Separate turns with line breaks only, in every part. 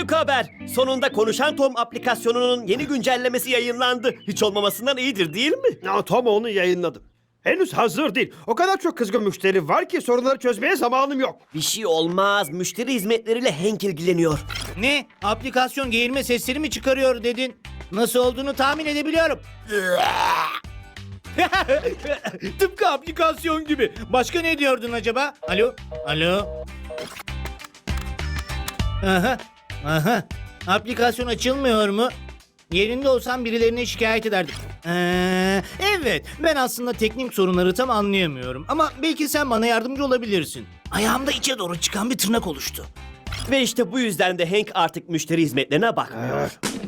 Büyük haber. Sonunda Konuşan Tom aplikasyonunun yeni güncellemesi yayınlandı. Hiç olmamasından iyidir değil mi?
Ya, Tom onu yayınladım. Henüz hazır değil. O kadar çok kızgın müşteri var ki sorunları çözmeye zamanım yok.
Bir şey olmaz. Müşteri hizmetleriyle Hank ilgileniyor.
Ne? Aplikasyon geğirme sesleri mi çıkarıyor dedin? Nasıl olduğunu tahmin edebiliyorum. Tıpkı aplikasyon gibi. Başka ne diyordun acaba? Alo? Alo? Aha. Aha. Aplikasyon açılmıyor mu? Yerinde olsam birilerine şikayet ederdim. Evet, ben aslında teknik sorunları tam anlayamıyorum. Ama belki sen bana yardımcı olabilirsin. Ayağımda içe doğru çıkan bir tırnak oluştu.
Ve işte bu yüzden de Hank artık müşteri hizmetlerine bakmıyor.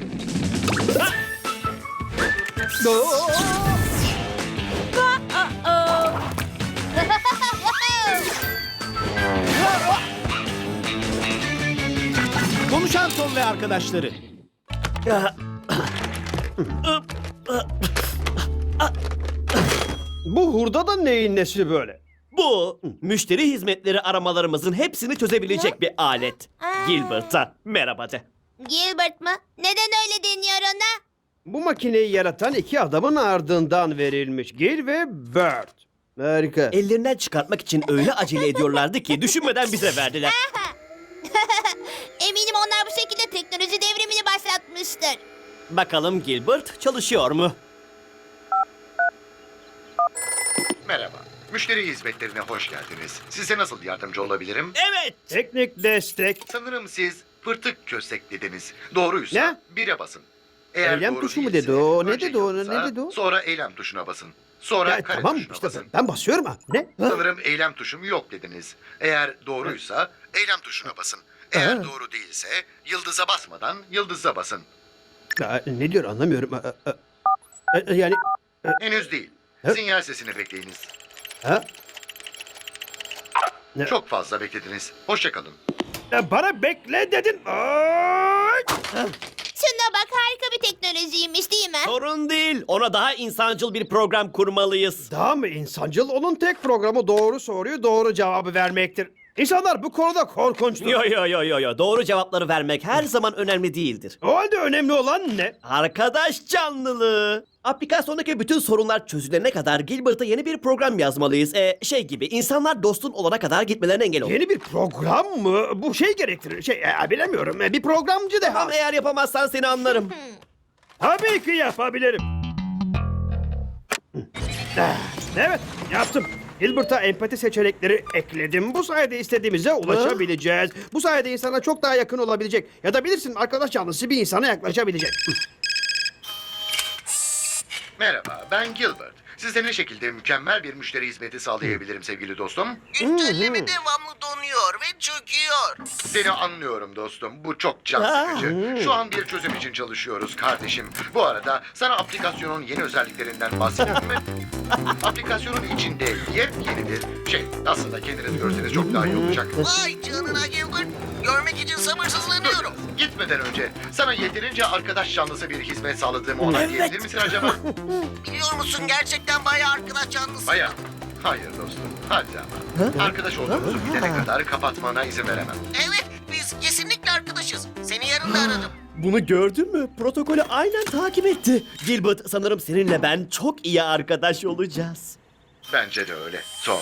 Konuşan Tom ve arkadaşları.
Bu hurda da neyin nesi böyle?
Bu müşteri hizmetleri aramalarımızın hepsini çözebilecek bir alet. Gilbert'a merhaba de.
Gilbert mı? Neden öyle deniyor ona?
Bu makineyi yaratan iki adamın ardından verilmiş. Gil ve Bird. Harika.
Ellerinden çıkartmak için öyle acele ediyorlardı ki düşünmeden bize verdiler.
Eminim onlar bu şekilde teknoloji devrimini başlatmıştır.
Bakalım Gilbert çalışıyor mu?
Merhaba. Müşteri hizmetlerine hoş geldiniz. Size nasıl yardımcı olabilirim?
Evet.
Teknik destek.
Sanırım siz pırtık köstek dediniz. Doğruysa
Ne?
1'e basın. Eğer
Eylem
doğru
tuşu mu
değilse,
dedi o? Ne
önce
dedi o?
yıldız'a,
Ne dedi o?
Sonra eylem tuşuna basın. Sonra
Ya,
kare
tamam
tuşuna
işte
basın.
ben basıyorum ha. Ne? Ha?
Sanırım eylem tuşum yok dediniz. Eğer doğruysa eylem tuşuna basın. Eğer
Ha.
doğru değilse yıldıza basmadan yıldıza basın.
Ya, ne diyor anlamıyorum. Yani
Henüz değil.
Ha.
Sinyal sesini bekleyiniz.
ha? Ne?
Çok fazla beklediniz. Hoşça kalın.
Bana bekle dedin. Ay!
Şuna bak, harika bir teknolojiymiş değil mi?
Sorun değil. Ona daha insancıl bir program kurmalıyız.
Daha mı insancıl? Onun tek programı doğru soruyu doğru cevabı vermektir. İnsanlar bu konuda korkunçtur.
Yo. Doğru cevapları vermek her zaman önemli değildir.
O halde önemli olan ne?
Arkadaş canlılığı. Aplikasyondaki bütün sorunlar çözülene kadar Gilbert'a yeni bir program yazmalıyız. Şey gibi, insanlar dostun olana kadar gitmelerine engel olur.
Yeni bir program mı? Bu şey gerektirir. Bilemiyorum. Bir programcı de.
Ama eğer yapamazsan seni anlarım.
Tabii ki yapabilirim. Evet, yaptım. Gilbert'a empati seçenekleri ekledim. Bu sayede istediğimize ulaşabileceğiz. Bu sayede insana çok daha yakın olabilecek. Ya da bilirsin, arkadaş canlısı bir insana yaklaşabilecek.
Merhaba, ben Gilbert. Size ne şekilde mükemmel bir müşteri hizmeti sağlayabilirim sevgili dostum?
Güncelleme devamlı donuyor ve çöküyor.
Seni anlıyorum dostum. Bu çok can sıkıcı. Şu an bir çözüm için çalışıyoruz kardeşim. Bu arada sana aplikasyonun yeni özelliklerinden bahsedeyim mi? Aplikasyonun içinde yepyeni bir şey. Aslında kendiniz görseniz çok daha iyi olacak.
Vay canına Gilbert. Görmek için sabırsızlanıyorum.
Gitmeden önce sana yeterince arkadaş canlısı bir hizmet sağladığımı onaylayabilir misin acaba?
Biliyor musun gerçekten bayağı arkadaş canlısı.
Baya. Hayır dostum. Hadi ama. Arkadaş olduğumuzu bilene kadar kapatmana izin veremem.
Evet biz kesinlikle arkadaşız. Seni yarın da aradım.
Bunu gördün mü? Protokolü aynen takip etti. Gilbert, sanırım seninle ben çok iyi arkadaş olacağız.
Bence de öyle. Tom.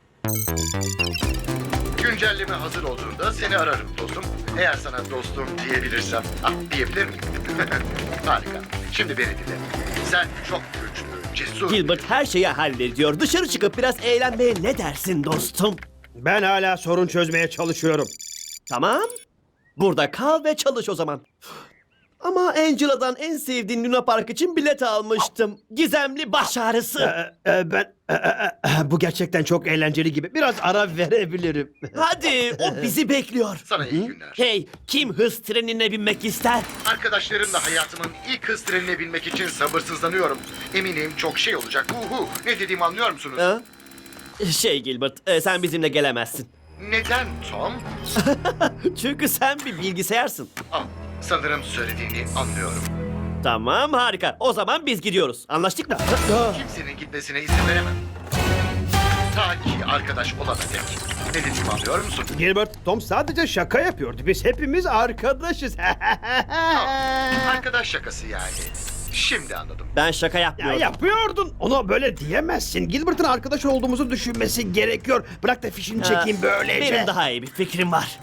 Güncelleme hazır olduğunda seni ararım dostum. Eğer sana dostum diyebilirsem. Diyebilir miyim? Harika. Şimdi beni dinle. Sen çok güçlü, cesur.
Gilbert her şeyi hallediyor. Dışarı çıkıp biraz eğlenmeye ne dersin dostum?
Ben hala sorun çözmeye çalışıyorum.
Tamam. Burada kal ve çalış o zaman. Ama Angela'dan en sevdiğin Luna Park için bilet almıştım. Gizemli baş ağrısı.
Bu gerçekten çok eğlenceli gibi. Biraz ara verebilirim.
Hadi, o bizi bekliyor.
Sana iyi günler.
Hey, kim hız trenine binmek ister?
Arkadaşlarımla hayatımın ilk hız trenine binmek için sabırsızlanıyorum. Eminim çok şey olacak. Ne dediğimi anlıyor musunuz?
Ha? Gilbert, sen bizimle gelemezsin.
Neden Tom?
Çünkü sen bir bilgisayarsın.
Sanırım söylediğini anlıyorum.
Tamam, harika. O zaman biz gidiyoruz. Anlaştık mı?
Kimsenin gitmesine izin veremem. Ta ki arkadaş olana dek. Ne dediğimi anlıyor musun?
Gilbert, Tom sadece şaka yapıyordu. Biz hepimiz arkadaşız.
Arkadaş şakası yani. Şimdi anladım.
Ben şaka
Ya
yapmıyordum.
yapıyordun. Ona böyle diyemezsin. Gilbert'ın arkadaş olduğumuzu düşünmesi gerekiyor. Bırak da fişini çekeyim böylece.
Benim daha iyi bir fikrim var.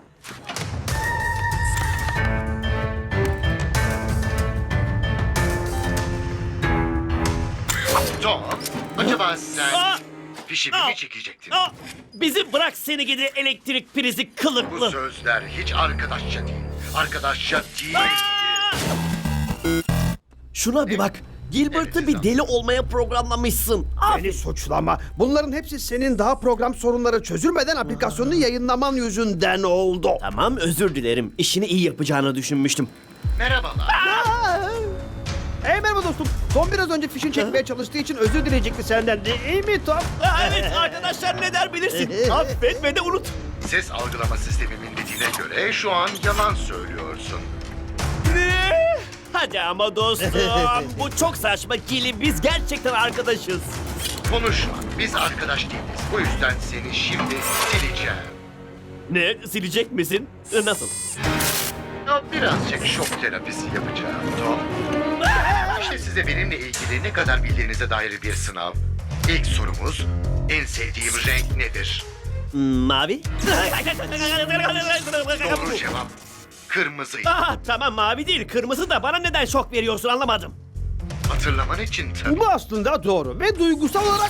Tom, acaba sen
Aa!
fişimi mi çekecektin?
Aa, bizi bırak seni gidi elektrik prizi
Bu
kılıklı.
sözler hiç arkadaşça değil. Arkadaşça değil.
Şuna bir bak. Gilbert'ı bir deli olmaya programlamışsın.
Beni suçlama. Bunların hepsi senin daha program sorunları çözülmeden aplikasyonunu yayınlaman yüzünden oldu.
Tamam, özür dilerim. İşini iyi yapacağını düşünmüştüm.
Merhabalar.
Hey merhaba dostum. Tom biraz önce fişini çekmeye çalıştığı için özür dileyecekti senden. Değil mi Tom?
Evet, arkadaşlar ne der bilirsin. Affet ve de unut.
Ses algılama sistemimin dediğine göre şu an yalan söylüyorsun.
Ne? Hadi ama dostum. Bu çok saçma Gili. Biz gerçekten arkadaşız.
Konuşma. Biz arkadaş değiliz. Bu yüzden seni şimdi sileceğim.
Ne? Silecek misin? Nasıl?
Ya birazcık şok terapisi yapacağım Tom. İşte size benimle ilgili ne kadar bildiğinize dair bir sınav. İlk sorumuz, en sevdiğim renk nedir?
Mavi?
Doğru cevap, kırmızıydı.
Ah, tamam mavi değil. Kırmızı da bana neden şok veriyorsun anlamadım.
Hatırlaman için tabii.
Bu aslında doğru ve duygusal olarak...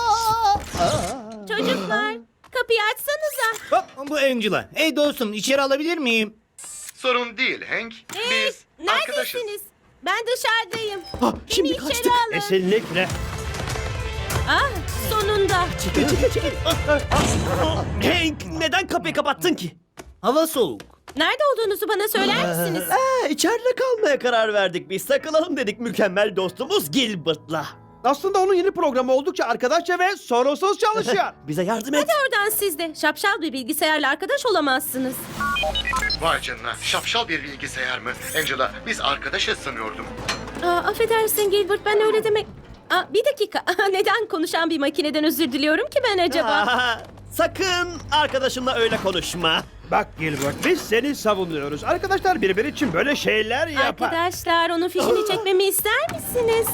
Çocuklar kapıyı açsanıza.
Hop, bu Angela. Hey dostum, içeri alabilir miyim?
Sorun değil Hank.
Hey,
Biz arkadaşız.
neredesiniz? Ben dışarıdayım.
Ah, şimdi
Beni
kaçtık.
içeri alın.
Kesinlikle.
Ah, sonunda.
Çekil. Hank, neden kapıyı kapattın ki?
Hava soğuk.
Nerede olduğunuzu bana söyler misiniz?
İçeride kalmaya karar verdik biz. Takılalım dedik mükemmel dostumuz Gilbert'la.
Aslında onun yeni programı oldukça arkadaşça ve sorunsuz çalışıyor.
Bize yardım et.
Hadi oradan siz de. Şapşal bir bilgisayarla arkadaş olamazsınız.
Vay canına, şapşal bir bilgisayar mı? Angela, biz arkadaşız sanıyordum.
Affedersin Gilbert, ben öyle demek... bir dakika. Neden konuşan bir makineden özür diliyorum ki ben acaba?
Aa, sakın arkadaşımla öyle konuşma.
Bak Gilbert, biz seni savunuyoruz. Arkadaşlar birbiri için böyle şeyler yapar.
Arkadaşlar, onun fişini çekmemi ister misiniz?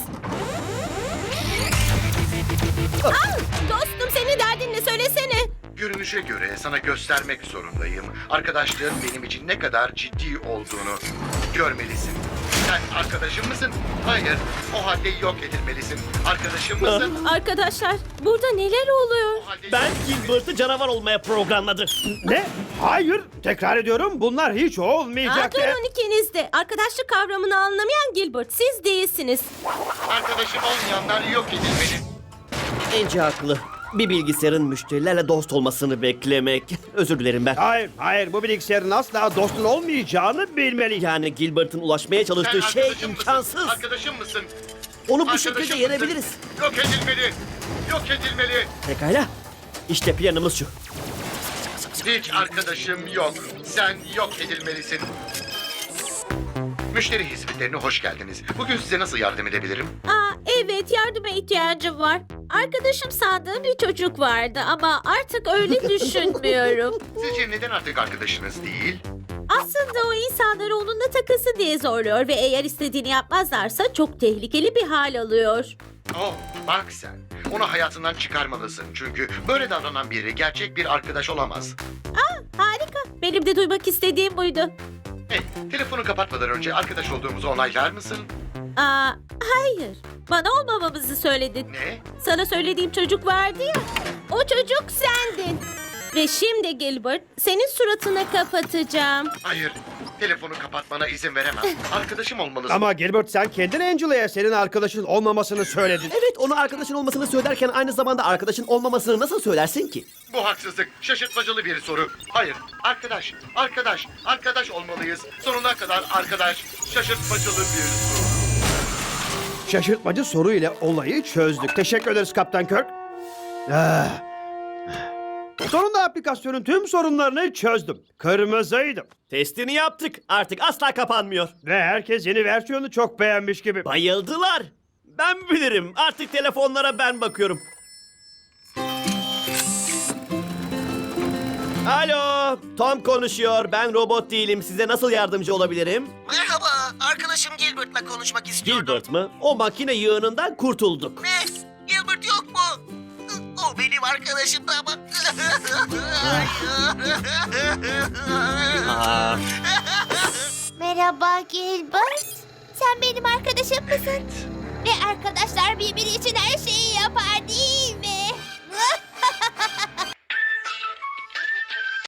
Dostum, senin derdin ne? Söylesene.
Görünüşe göre sana göstermek zorundayım. Arkadaşlığın benim için ne kadar ciddi olduğunu görmelisin. Sen arkadaşım mısın? Hayır. O halde yok edilmelisin. Arkadaşım mısın?
Arkadaşlar, burada neler oluyor?
O halde
Ben
yok edilmelisin.
Gilbert'ı canavar olmaya programladım.
Ne? Hayır. Tekrar ediyorum, bunlar hiç olmayacak.
Durun ikiniz de. Arkadaşlık kavramını anlamayan Gilbert, siz değilsiniz.
Arkadaşım olmayanlar yok edilmeli.
Ence haklı. Bir bilgisayarın müşterilerle dost olmasını beklemek. Özür dilerim ben.
Hayır. Bu bilgisayarın asla dostun olmayacağını bilmeli.
Yani Gilbert'ın ulaşmaya
Sen
çalıştığı şey
arkadaşım
imkansız.
mısın? Arkadaşım mısın?
Onu bu
Arkadaşım
şekilde
mısın?
yenebiliriz.
Yok edilmeli. Yok edilmeli.
Pekala. İşte planımız şu.
Hiç arkadaşım yok. Sen yok edilmelisin. Müşteri hizmetlerine hoş geldiniz. Bugün size nasıl yardım edebilirim?
Evet, yardıma ihtiyacım var. Arkadaşım sandığım bir çocuk vardı ama artık öyle düşünmüyorum.
Sizce neden artık arkadaşınız değil?
Aslında o insanları onunla takılsın diye zorluyor ve eğer istediğini yapmazlarsa çok tehlikeli bir hal alıyor.
Oh, bak sen. Onu hayatından çıkarmalısın. Çünkü böyle davranan biri gerçek bir arkadaş olamaz.
Harika. Benim de duymak istediğim buydu.
Hey, telefonu kapatmadan önce arkadaş olduğumuzu onaylar mısın?
Hayır. Bana olmamamızı söyledin.
Ne?
Sana söylediğim çocuk vardı ya. O çocuk sendin. Ve şimdi Gilbert, senin suratını kapatacağım.
Hayır. Telefonu kapatmana izin veremem. Arkadaşım olmalısın.
Ama Gilbert, sen kendin Angela'ya senin arkadaşın olmamasını söyledin.
Evet, ona arkadaşın olmasını söylerken aynı zamanda arkadaşın olmamasını nasıl söylersin ki?
Bu haksızlık. Şaşırtmacalı bir soru. Hayır. Arkadaş olmalıyız. Sonuna kadar arkadaş. Şaşırtmacalı bir soru.
Şaşırtmacı soru ile olayı çözdük. Teşekkür ederiz Kaptan Kirk. Sonunda aplikasyonun tüm sorunlarını çözdüm. Kırmızıydım.
Testini yaptık. Artık asla kapanmıyor.
Ve herkes yeni versiyonu çok beğenmiş gibi.
Bayıldılar. Ben bilirim. Artık telefonlara ben bakıyorum. Alo, Tom konuşuyor. Ben robot değilim. Size nasıl yardımcı olabilirim?
Merhaba, arkadaşım Gilbert'la konuşmak istiyordum.
Gilbert mı? O makine yığınından kurtulduk.
Ne? Gilbert yok mu? O benim arkadaşım da ama.
Aa,
Merhaba Gilbert. Sen benim arkadaşım mısın? Ve arkadaşlar birbiri için her şeyi yapar değil mi?